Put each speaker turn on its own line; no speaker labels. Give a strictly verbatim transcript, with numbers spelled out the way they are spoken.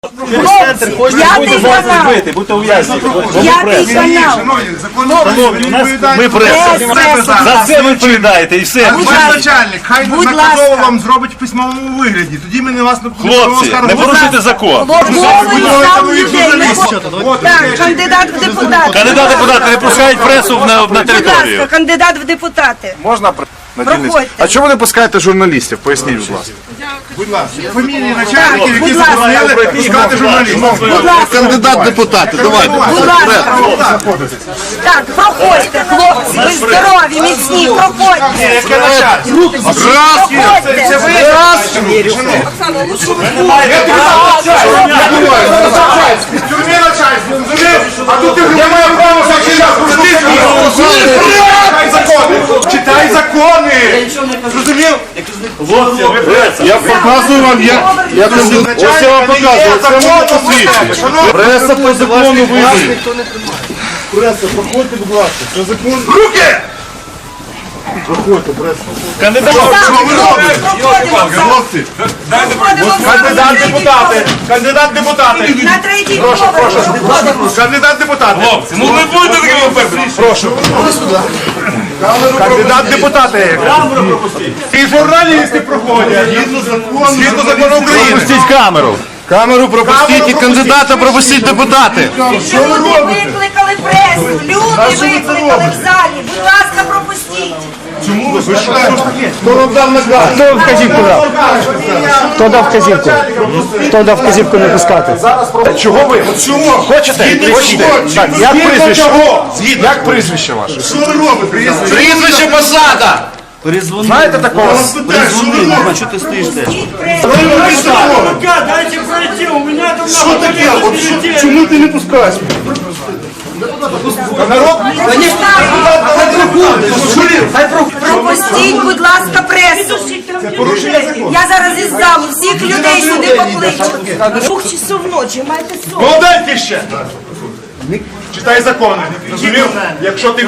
Хлопці, п'ятий канал.
Будьте ув'язнені.
П'ятий канал.
Ми преса. За це ви відповідаєте і все.
Будь
Ваш
ласка.
начальник, хай
Будь
наказово
ласка.
вам зробить в письмовому вигляді. Тоді ми не вас не
Хлопці, не порушуйте закон.
Хлопці, сам людей. Так, кандидат в депутати.
Кандидат депутати не пускають пресу на, на
Будь ласка,
територію.
кандидат в депутати.
Можна на дільниці?
Проходьте.
А чому ви не пускаєте журналістів? Поясніть, будь ласка.
Будь ласка. Фамілії начальників, які
будь ласка.
заборонили пускати журналістів.
Будь ласка.
Кандидат в депутати, давайте.
Будь ласка. Так, проходьте, хлопці, ви здорові, міцні, проходьте. Проходьте.
Це ви? В тюрмі начальство, розумієш? А тут ти не має права Читай закони! Читай закони! Зрозумів?
Хлопці, ви преса.
Я показую вам, як, як кандидат. Ось я вам показую, це моє посвідчення. Преса по закону вийде. Преса, проходьте, будь ласка. Це закон.
Руки!
Проходьте, преса.
Кандидат.
Хлопці,
Кандидат депутати! Кандидат депутати!
На третій
Прошу,
поверх.
прошу. Кандидат депутати!
Хлопці, ну не будете такими впевнені.
Прошу. Кандидат депутати! І журналісти проходять! Згідно закону України!
Пропустіть камеру.
камеру пропустіть і кандидата пропустіть депутати.
Люди викликали пресу, люди викликали в залі. Будь ласка, пропустіть.
Чому ви Хто вам дав наказ?
Хто вказівку дав? Хто дав вказівку? Хто дав вказівку не пускати?
Чого ви? Чого? Хочете? Хочете? Так, як прізвище? Як прізвище ваше?
Що ви робите?
Прізвище посада! Знаєте такого?
Дайте пройти, у меня там
Що таке? От що- Чому ти не пускаєш? Народ?
Пропустіть, будь ласка, пресу. Я зараз із залу всіх людей сюди покличу. Двох часов ночі, маєте сон.
Молоденький ще! Читай закони. Розумів? Якщо ти